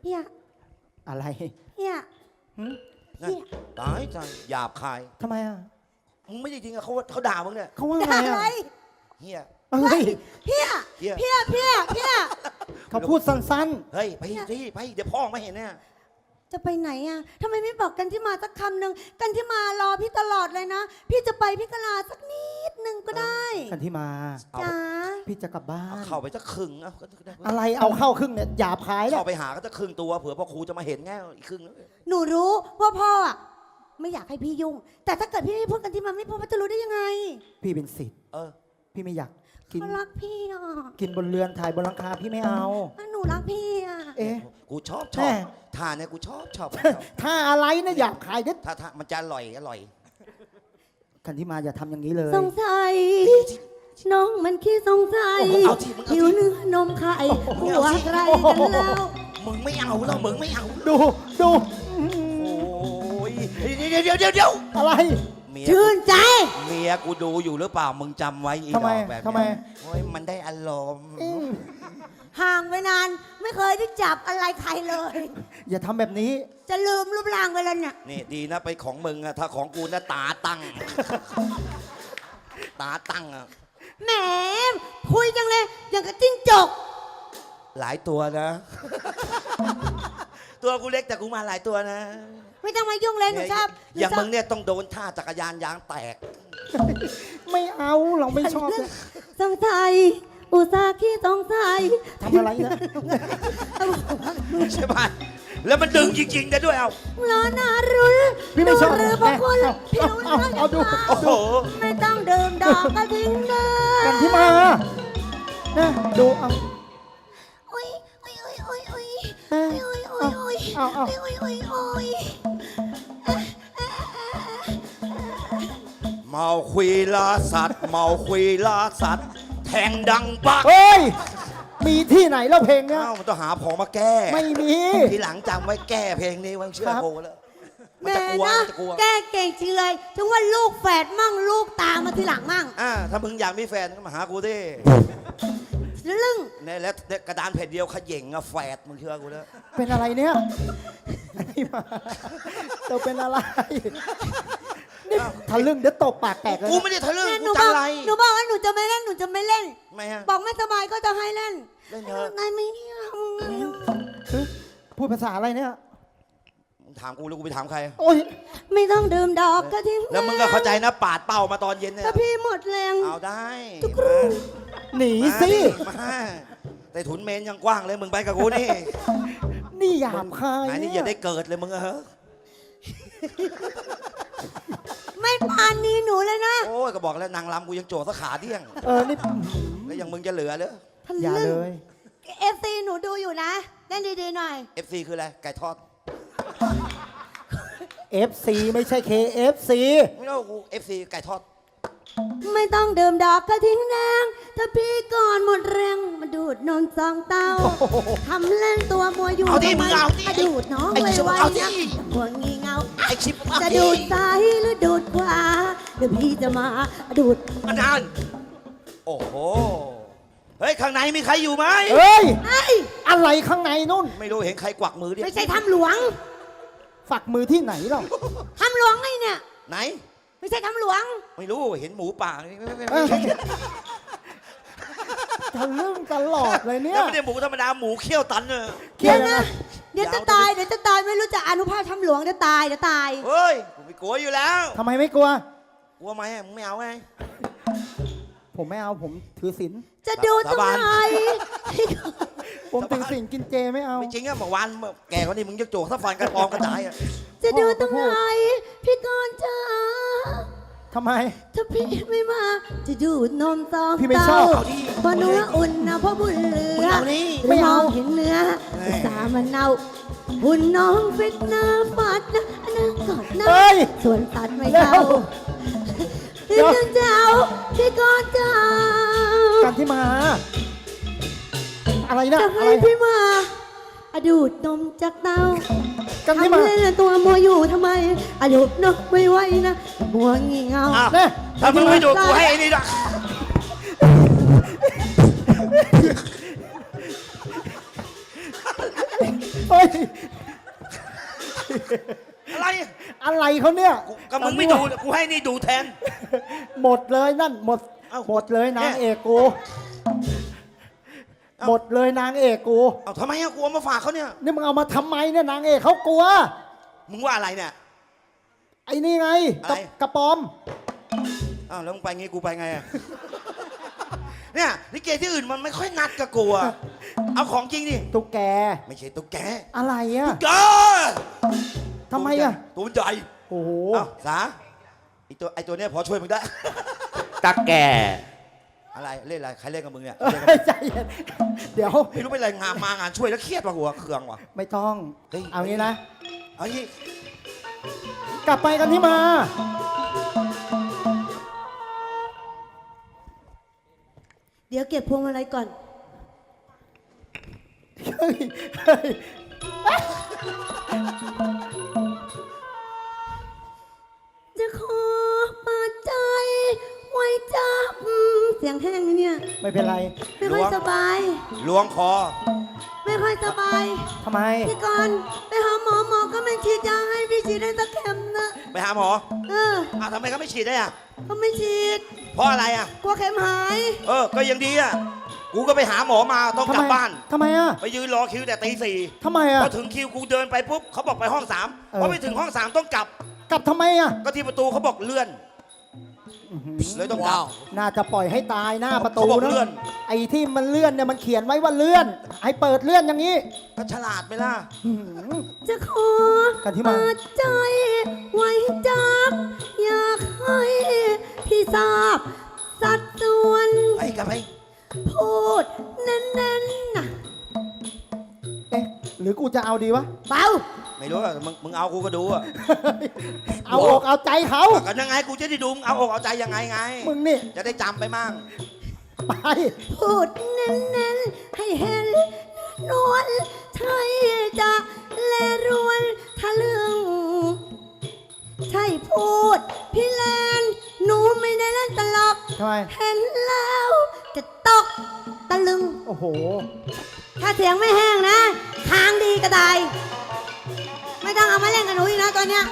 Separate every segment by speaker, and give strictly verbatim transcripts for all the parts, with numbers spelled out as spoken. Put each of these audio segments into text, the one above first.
Speaker 1: เฮีย
Speaker 2: อะไร
Speaker 1: เฮีย
Speaker 2: หึ
Speaker 1: เฮีย
Speaker 3: ตายใจหยาบคาย
Speaker 2: ทำไมอ่ะ
Speaker 3: มึงไม่จริงๆอะเขาเขาด่ามึงเนี่ย
Speaker 2: เขาว่าไง
Speaker 1: อะไร
Speaker 2: อ่ะ
Speaker 3: เฮีย
Speaker 2: อะไร
Speaker 1: เฮีย
Speaker 3: เหี้ย
Speaker 1: เฮียเฮียเฮีย
Speaker 2: เขาพูดสั้น
Speaker 3: เฮ้ยไปที่ไปเดี๋ยวพ่อไม่เห็นเนี่ย
Speaker 1: จะไปไหนอ่ะทำไมไม่บอกกันที่มาสักคำหนึ่งกันที่มารอพี่ตลอดเลยนะ พี่จะไปพี่กลาสักนิดหนึ่งก็ได้
Speaker 2: ๆกันที่มา
Speaker 3: เอา
Speaker 1: จ้า
Speaker 2: พี่จะกลับบ้า
Speaker 3: เอา
Speaker 2: น
Speaker 3: เข้าไปจะครึ่งเอา
Speaker 2: อะไรเอาเข้าครึ่งเนี่ยหยาบคายแล้ว
Speaker 3: เข้าไปหาก็จะครึ่งตัวเผื่อพ่อครูจะมาเห็นแง่อีกครึ่งนึง
Speaker 1: หนูรู้ว่าพ่ออ่ะไม่อยากให้พี่ยุ่ง แต่ถ้าเกิดพี่ไม่พูดกันที่มาไม่พูดว่าจะรู้ได้ยังไง
Speaker 2: พี่เป็นศิษย์
Speaker 3: เออ
Speaker 2: พี่ไม่อยากกิน
Speaker 1: เขารักพี่อ่ะ
Speaker 2: กินบนเรือนถ่ายบนหลังคาพี่ไม่เอา
Speaker 1: หนูรักพี่อ่ะ
Speaker 2: เอ๊ะ
Speaker 3: กูชอบช
Speaker 2: แม่
Speaker 3: อบท่าเนี่ยกูชอบชอบชอบ
Speaker 2: ถ้าอะไรนะหยาบคายเด็ด
Speaker 3: ถ้าถ้ามันจะอร่อยอร่อย
Speaker 2: กันที่มาอย่าทำอย่างนี้เลย
Speaker 1: สงสัยน้องมันขี้สงสัย
Speaker 3: เอาที่มึงเอา
Speaker 1: หิว
Speaker 3: ที่
Speaker 1: เนื้อนมไข่หัวใครกันแล้ว
Speaker 3: มึงไม่เอาแล้วมึงไม่เอา
Speaker 2: ดูดู
Speaker 3: โอ้ยเดี๋ยวเดี๋ยวเดี๋ยวเดี๋ยว
Speaker 2: อะไร
Speaker 3: เมีย
Speaker 1: ชื่นใจ
Speaker 3: เมียกูดูอยู่หรือเปล่ามึงจำไว้อี
Speaker 2: ทำไม
Speaker 3: ดอกแบบ
Speaker 2: ทำไม
Speaker 3: เนี้ยโอ้ยมันได้อารมณ์
Speaker 2: อืม
Speaker 1: ห่างไปนานไม่เคยได้จับอะไรใครเลย
Speaker 2: อย่าทำแบบนี้
Speaker 1: จะลืมรูปร่างไปแล้วเนี่ย
Speaker 3: นี่ดีนะไปของมึงอะถ้าของกูนะตาตั้ง ตาตั้งอะ
Speaker 1: แหมคุยจังเลย อย่างกับจิ้งจก
Speaker 3: หลายตัวนะ ตัวกูเล็กแต่กูมาหลายตัวนะ
Speaker 1: ไม่ต้องมายุ่งเลยหนูชอบ
Speaker 3: อย่าง
Speaker 1: หนูช
Speaker 3: มึ
Speaker 1: บ
Speaker 3: งเนี่ยต้องโดนท่าจักรยานยางแตก
Speaker 2: ไม่เอาเราไม่ชอบเลย
Speaker 1: สงสัยอุตส่าห์ขี้สงสัย
Speaker 2: ทำอะไรนะ
Speaker 3: ใช่ป่ะแล้วมันดึงจริงๆได้ด้วยเอา
Speaker 1: ร้อนนารุน
Speaker 2: พี่ไม่ชอบ
Speaker 1: หรือพวกคุณ
Speaker 2: เอา
Speaker 1: พี่
Speaker 2: เอา
Speaker 1: รู้
Speaker 2: เอา
Speaker 1: ว่า
Speaker 2: เอาดู
Speaker 3: โอ้โห
Speaker 1: ไม่ต้องดื่มดอกก็ทิ้งเลย
Speaker 2: กันที่มานะดูเอา
Speaker 1: โอ้ยโอ้ยโอ้ยโอ้ยโอ้ย
Speaker 2: เอ้ย
Speaker 1: โอ้ยโอ้ยโอ้ย
Speaker 2: เอาเอา
Speaker 1: โอ้ยโอ้ยโอ้ย
Speaker 3: เมาคุยลาสัตว์ เมาคุยลาสัตว์ แทงดังปัก
Speaker 2: เฮ้ย มีที่ไหนแล้วเพลงเนี้ย
Speaker 3: เอ้ามันต้องหาของมาแก้
Speaker 2: ไม่มี
Speaker 3: ทีหลังจำไว้แก้เพลงนี้ไว้เชื่อ
Speaker 2: ครับ
Speaker 3: กูแล้วมัน
Speaker 1: แม่
Speaker 3: จะกลัว
Speaker 1: นะ
Speaker 3: มันจะกลัว
Speaker 1: แกเก่งจริงเลยถึงว่าลูกแฝดมั่งลูกตามมาทีหลังมั่ง
Speaker 3: อ่าถ้ามึงอยากมีแฟนก็มาหากูดิ
Speaker 1: ลึ่ง
Speaker 3: เนี่ยแล้วกระดานแผ่นเดียวขย่งอะแฝดมึงเชื่อกูแล้ว
Speaker 2: เป็นอะไรเนี่ยกันที่มาเธอเป็นอะไรนี่ทะลึ่งเดี๋ยวตบปากแตกเลย
Speaker 3: กู
Speaker 2: นะ
Speaker 3: ไม่ได้ทะลึ่ง
Speaker 1: แม่ห
Speaker 3: กู
Speaker 1: นูบ
Speaker 3: จั
Speaker 1: อง ก
Speaker 3: ไร
Speaker 1: หนูบอกว่าหนูจะไม่เล่นหนูจะไม่เล่น
Speaker 3: ไม่ฮะ
Speaker 1: บอกไม่สบายก็จะให้เล่น
Speaker 3: เล่นเถอะ
Speaker 1: นายไม่เอา
Speaker 2: เฮ้ยพูดภาษาอะไรเนี่ย
Speaker 3: มึงถามกูแล้วกูไปถามใคร
Speaker 2: โอ้ย
Speaker 1: ไม่ต้องดื่มดอกก็ทิ้ง
Speaker 3: แล้วมึงก็เข้าใจนะปาดเป้ามาตอนเย็นเนี่ย
Speaker 1: ถ้าพี่หมดแรง
Speaker 3: เอาได้
Speaker 1: ทุกครู
Speaker 2: หนี
Speaker 3: มา
Speaker 2: สิ
Speaker 3: มาแต่ถุนเมนยังกว้างเลยมึงไปกับกูนี่
Speaker 2: นี่หยาบคาย
Speaker 3: ไหนนี่อย่าได้เกิดเลยมึงอะเฮ้ย
Speaker 1: ไม่ปานนี้หนูเลยนะ
Speaker 3: โอ้ยก็บอกแล้วนางรำกูยังโจสักขาเดี้ยง
Speaker 2: เออนี่
Speaker 3: แล้วยังมึงจะเหลือเลย
Speaker 1: ทะ
Speaker 2: อย่า
Speaker 1: ลึ่
Speaker 2: เล
Speaker 1: ง
Speaker 2: ย
Speaker 1: เอฟซีหนูดูอยู่นะเล่นดีๆหน่อย
Speaker 3: เอฟซีคืออะไรไก่ทอด
Speaker 2: เอฟ ซี ไม่ใช่ เค เอฟ ซี
Speaker 3: ไม่รู้กูเอฟซีไก่ทอด
Speaker 1: ไม่ต้องดื่มดอกก็ทิ้งแรงถ้าพี่ก่อนหมดแรงมาดูดนมสองเต้าทำเล่นตัวมัวอยู่
Speaker 3: เอาดิ
Speaker 1: ทำไ
Speaker 3: มึงเอาดิ
Speaker 1: ะดูดน้อง
Speaker 3: ไอ้
Speaker 1: ไว
Speaker 3: ชิบ
Speaker 1: ๆ
Speaker 3: เอาดิ
Speaker 1: นะหัวงีเงา
Speaker 3: ไอชิป
Speaker 1: จะดูดซ้ายหรือดูดขวาเดี๋ยวพี่จะมาดูด
Speaker 3: มานานโอ้โหเฮ้ยข้างในมีใครอยู่ไหม
Speaker 2: เฮ้ย
Speaker 1: ไอ้
Speaker 2: อะไรข้างในนู่น
Speaker 3: ไม่รู้เห็นใครกวักมือดิ
Speaker 1: ไม่ใช่ทำหลวง
Speaker 2: ฝักมือที่ไหนหรอ
Speaker 1: ทำหลวงไงเนี่ย
Speaker 3: ไหน
Speaker 1: ไม่ใช่ทำหลวง
Speaker 3: ไม่รู้เห็นหมูป่าไม่ไม่ไม่
Speaker 2: เอ้
Speaker 3: ไม่
Speaker 2: ยทะลึ่งตลอดเลยเนี่ย
Speaker 3: แล้วไม่ได้หมูธรรมดาหมูเขี้ยวตันเนอะ
Speaker 2: เคีย
Speaker 1: เดี๋ยว
Speaker 2: นะ
Speaker 1: นะ เดี๋ยวจะตายเดี๋ยวจะตายไม่รู้จะอนุภาพทำหลวงเดี๋ยวตายเดี๋ยวตาย
Speaker 3: เฮ้ยผมไม่กลัวอยู่แล้ว
Speaker 2: ทำไมไม่กลัว
Speaker 3: กลัวไหมอะมึงไม่เอาไง
Speaker 2: ผมไม่เอาผมถือศีล
Speaker 1: จะดูตรงไหน
Speaker 2: ผมถือศีลกินเจไม่เอา
Speaker 3: ไม่จริงอะเมื่อวานแกคนนี้มึงจะโจกถ้าฟันกระปองกระจายอะ
Speaker 1: จะดูตรงไหนพี่กรณ์จ้า
Speaker 2: ทำไม
Speaker 1: ถ้าพี่ไม่มา จะดูดนมสอง
Speaker 2: พี่ไม่
Speaker 1: เต้า
Speaker 2: ชอบ
Speaker 3: เอาดิ
Speaker 1: เพราะเนื้ออุ่นนะเพราะบุญเหลื
Speaker 3: มึง
Speaker 1: อ
Speaker 3: เอานี่
Speaker 1: ไม่มองเห็นเนื้อ
Speaker 3: เฮ้ย
Speaker 1: สามันเนาหุ่นน้องฟิตหน้าฟัดนะอันนั้นกอดนะ
Speaker 2: เฮ้ย
Speaker 1: ส่วนตัดไม่
Speaker 2: เร็
Speaker 1: เข้าว
Speaker 2: เดี๋ยว
Speaker 1: ถึงจะเอาพี่กรณ์จ้า
Speaker 2: กันที่มา อะไรนะ
Speaker 1: จะ
Speaker 2: อะ
Speaker 1: ให้
Speaker 2: ไร
Speaker 1: พี่มาอะดูดนมจากเต้า
Speaker 2: กันที่มา
Speaker 1: ทำเล่นตัวมัวอยู่ทำไมอะดูดนมไม่ไหวนะมัวงี่เงา
Speaker 3: อ้าว
Speaker 2: เนี่ย
Speaker 3: ถ้ามึงไม่ดูกูให้ไอ้นี่ดอก
Speaker 2: เฮ้ย
Speaker 3: อะไร
Speaker 2: อะไรเขาเนี่ย
Speaker 3: กูก็มึงไม่ดูกูให้นี่ดูแทน
Speaker 2: หมดเลยนั่นหมด
Speaker 3: เอ้า
Speaker 2: หมดเลยนาง
Speaker 3: เนี่ย
Speaker 2: เอกกู
Speaker 3: เอ้า
Speaker 2: หมดเลยนางเอกกู
Speaker 3: เอาทำไมอะกูเอามาฝากเขาเนี่ย
Speaker 2: นี่มึงเอามาทำไมเนี่ยนางเอกเขากลัว
Speaker 3: มึงว่าอะไรเนี่ย
Speaker 2: ไอ้นี่ไงกระ
Speaker 3: อะไร
Speaker 2: กระปอม
Speaker 3: อ้าวแล้วมึงไปงี้กูไปไงอะ เนี่ยลิเกที่อื่นมันไม่ค่อยนัดกับกูอะเอาของจริงดิ
Speaker 2: ตุ๊กแก
Speaker 3: ไม่ใช่ตุ๊กแก
Speaker 2: อะไรอ่ะ
Speaker 3: แก
Speaker 2: ทำไมอ่ะ
Speaker 3: ตัวมันใหญ่
Speaker 2: โอ้โห
Speaker 3: อ้าวสาไอตัวไอตัวเนี้ยพอช่วยมึงได้
Speaker 4: ตาแก่
Speaker 3: อะไรเล่นอะไรใครเล่นกับมึงเนี่ย
Speaker 2: เอ้
Speaker 3: เล่นกับมึ
Speaker 2: ย
Speaker 3: ง
Speaker 2: ใจเย็นเดี๋ยว
Speaker 3: ไม่รู้เป็นอะไรงานมางานช่วยแล้วเครียดว่ะหัวเคืองว่ะ
Speaker 2: ไม่ต้อง
Speaker 3: เฮ้ย
Speaker 2: เอางี้นะ
Speaker 3: เอางี้
Speaker 2: กลับไปกันที่มา
Speaker 1: เดี๋ยวเก็บพวงมาลัยก่อน
Speaker 2: เฮ้ยเฮ้ย
Speaker 1: จะขอเปิดใจ ไว้จับ เสียงแห้งนะเนี่ย
Speaker 2: ไม่เป็นไร
Speaker 1: ไม่ค่อยสบาย
Speaker 3: ล้วงคอ
Speaker 1: ไม่ค่อยสบาย
Speaker 2: ทำไม
Speaker 1: พี่กรณ์ไปหาหมอหมอก็ไม่ฉีดยาให้พี่ฉีดได้สักเข็มนะ
Speaker 3: ไปหาหมอ
Speaker 1: เออ
Speaker 3: อ้าวทำไมเขาไม่ฉีดได้อะ
Speaker 1: เขาไม่ฉีด
Speaker 3: เพราะอะไรอะ
Speaker 1: กลัวเข็มหาย
Speaker 3: เออก็ยังดีอะกูก็ไปหาหมอมาต้องกลับ
Speaker 2: ทำไม
Speaker 3: บ้าน
Speaker 2: ทำไมอ่ะ
Speaker 3: ไปยืนรอคิวแต่ตีสี่
Speaker 2: ทำไมอ่ะ
Speaker 3: พอถึงคิวกูเดินไปปุ๊บเขาบอกไปห้องสาม
Speaker 2: เออ
Speaker 3: พอไปถึงห้องสามต้องกลับ
Speaker 2: กลับทำไมอ่ะ
Speaker 3: ก็ที่ประตูเขาบอกเลื่อน
Speaker 2: อื้อหือ
Speaker 3: เลยต้องกลับ
Speaker 2: น่าจะปล่อยให้ตายหน้าประตู
Speaker 3: เขาบอก
Speaker 2: นะ
Speaker 3: เลื่อน
Speaker 2: ไอ้ที่มันเลื่อนเนี่ยมันเขียนไว้ว่าเลื่อน ให้เปิดเลื่อนอย่างนี้
Speaker 3: ก็ฉลาดไหมล่ะ
Speaker 2: อื้อหือ
Speaker 1: จะขอ
Speaker 2: กันที่มา
Speaker 1: เปิดใจ ไว้จับ อยากให้พี่ทราบ สัดส่วน
Speaker 3: ไปกลับไป
Speaker 1: พูดเน้นๆนะ
Speaker 2: เอ๊ะหรือกูจะเอาดีวะ
Speaker 1: เบา
Speaker 3: ไม่รู้อะมึงมึงเอากูก็ดูอะ
Speaker 2: เอาอกเอาใจเขา
Speaker 3: กันยังไงกูจะได้ดูมึงเอาอกเอาใจยังไงไง
Speaker 2: มึงนี่
Speaker 3: จะได้จำไปมั่ง
Speaker 2: ไป
Speaker 1: พูดเน้นๆ ให้เห็นนวลใช่จะแลรวนทะลึง ใช่พูด พี่แลนหนูไม่ได้เล่นตลก
Speaker 2: ทำไม
Speaker 1: เห็นแล้วจะตกตะลึง
Speaker 2: โอ้โห
Speaker 1: ถ้าเสียงไม่แห้งนะทางดีก็ได้ ไม่ต้องเอามาเล่นกับหนูอีกนะตอนเนี้ย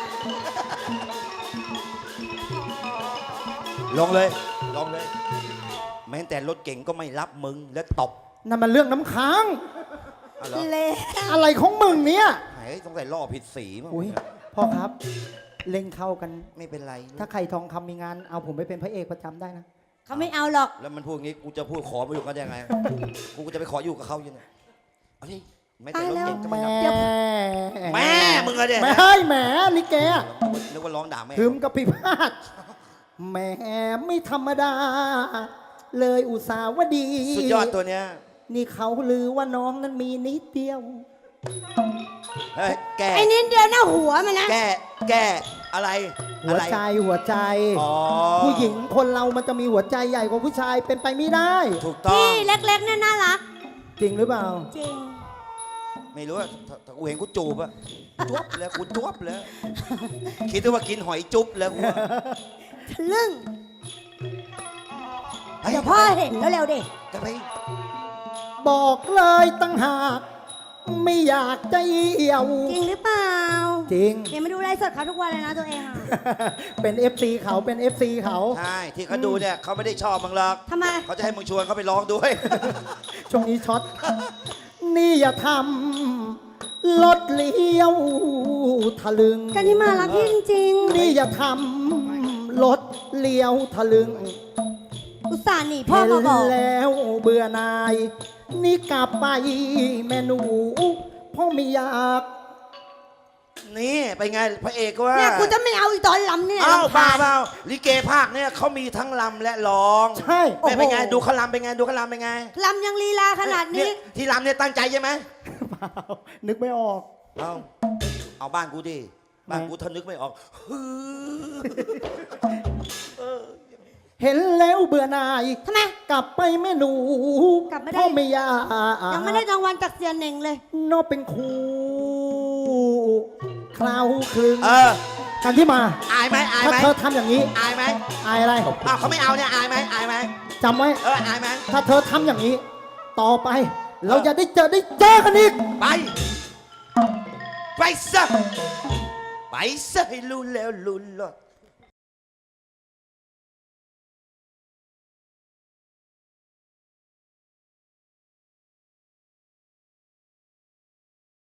Speaker 3: ลงเลย ลงเลย แม้แต่รถเก่งก็ไม่รับมึงและตบ
Speaker 2: นั่นมันเรื่องน้ำค้าง
Speaker 3: เอาเหรอ
Speaker 1: เละ
Speaker 2: อะไรของมึงเนี่ย
Speaker 3: ไหนต้องใส่ล่อผิดสีมั้ง
Speaker 2: อุ้ยพ่อครับ เล่งเข้ากัน
Speaker 3: ไม่เป็นไร
Speaker 2: ถ้าใครทองคำมีงาน เอาผมไปเป็นพระเอกประจำได้นะ
Speaker 1: เขาไม่เอาหรอก
Speaker 3: แล้วมันพูดงี้กูจะพูดขอมาอยู่กันยังไง กูก็จะไปขออยู่กับเขายังไงเอาดิแม้แต่รถเก่งก็
Speaker 2: แห
Speaker 3: ไม่
Speaker 2: ม่
Speaker 3: รับ แม่มึงอะเนี่ย
Speaker 2: แม่เฮ้ยแหมลิเกอะ
Speaker 3: นึกว่าร้องด่าแม่
Speaker 2: ถึมกับพิพาทแหมไม่ธรรมดา เลยอุตสาวดี
Speaker 3: สุดยอดตัวเนี้ย
Speaker 2: นี่เขาลือว่าน้องนั้นมีนิดเดียว
Speaker 3: เฮ้ยแก
Speaker 1: ไอ้นิดเดียวหน้าหัวมันนะ
Speaker 3: แกแกอะไร
Speaker 2: หั
Speaker 3: อะ
Speaker 2: ว
Speaker 3: ไร
Speaker 2: ใจหัวใจ
Speaker 3: อ๋อ
Speaker 2: ผู้หญิงคนเรามันจะมีหัวใจใหญ่กว่าผู้ชายเป็นไปไม่ได้
Speaker 3: ถูกต้อง
Speaker 1: ที่เล็กๆเนี่ยน่ารัก
Speaker 2: จริงหรือเปล่า
Speaker 1: จริง
Speaker 3: ไม่รู้อะถ้าถ้ากูเห็นกูจูบอะจุ๊บแล้วกูจุ๊บแล้ว คิดว่ากินหอยจุ๊บแล้วกูอะ
Speaker 1: ทะลึ่ง
Speaker 3: ฮ้
Speaker 1: เดี๋ยวพ่อเห็นก็เร็วดิ
Speaker 3: กลับไป
Speaker 2: บอกเลยตั้งหาก ไม่อยากจะเอี่ยว
Speaker 1: จริงหรือเปล่า
Speaker 2: จริง
Speaker 1: เห็นมาดูไลฟ์สดเขาทุกวันเลยนะตัวเองอะ
Speaker 2: เป็น เอฟ ซี เขาเป็น เอฟ ซี เขา
Speaker 3: ใช่ที่เขาดูเนี่ยเขาไม่ได้ชอบมึงหรอก
Speaker 1: ทำไม
Speaker 3: เขาจะให้มึงชวนเขาไปร้องด้วย
Speaker 2: ช่วงนี้ช็อต นี่อย่าทำรถเลี้ยวทะลึง
Speaker 1: กันที่มารักพี่จริง
Speaker 2: นี่อย่าทำรถเลี้ยวทะลึง
Speaker 1: ๆ อุตส่าห์หนีพ่อ
Speaker 2: เห็น
Speaker 1: มาบอก
Speaker 2: แล้วเบื่อนาย นี่กลับไปแม่หนูพ่อไม่อยาก
Speaker 3: นี่ไปไงพระเอกก็ว่า
Speaker 1: เนี่ยกูจะไม่เอาอีกตอนลำเนี่ย
Speaker 3: อ้าว
Speaker 1: รำ
Speaker 3: บ้า
Speaker 1: คญ
Speaker 3: เปล่าลิเกภาคเนี่ยเขามีทั้งลำและร้อง
Speaker 2: ใช่
Speaker 1: โอ้
Speaker 3: แม่
Speaker 1: โห
Speaker 3: เป็นไงดูเขาลำเป็นไงดูเขาลำเป็นไง
Speaker 1: ลำยังลีลาขนาดนี้
Speaker 3: เยที่ลำเนี่ยตั้งใจใช่ไหม
Speaker 2: เปล่านึกไม่ออก
Speaker 3: เอาเอาบ้านกูดิบ้านกูถ้านึกไม่ออก
Speaker 2: เห็นแล้วเบื่อนาย
Speaker 1: ทำไม
Speaker 2: กลับไปแม่หนู
Speaker 1: กลับไม่ได้
Speaker 2: พ่อไม่อยาก
Speaker 1: ยังไม่ได้รางวัลจากเสียเหน่งเลย
Speaker 2: นอกเป็นครูคราวคลึง
Speaker 3: เออ
Speaker 2: กันที่มา
Speaker 3: อายไหมอาย
Speaker 2: ถ้า
Speaker 3: ไหม
Speaker 2: เธอทำอย่างนี้
Speaker 3: อายไหม
Speaker 2: อายอะไร
Speaker 3: อ้าวเขาไม่เอาเนี่ยอายไหมอายไหม
Speaker 2: จำไว้
Speaker 3: เอออายไหม
Speaker 2: ถ้าเธอทำอย่างนี้ ต่อไป เราจะได้เจอได้เจอกันอีก
Speaker 3: ไปไปซะไปซะให้รู้แล้วรู้รอด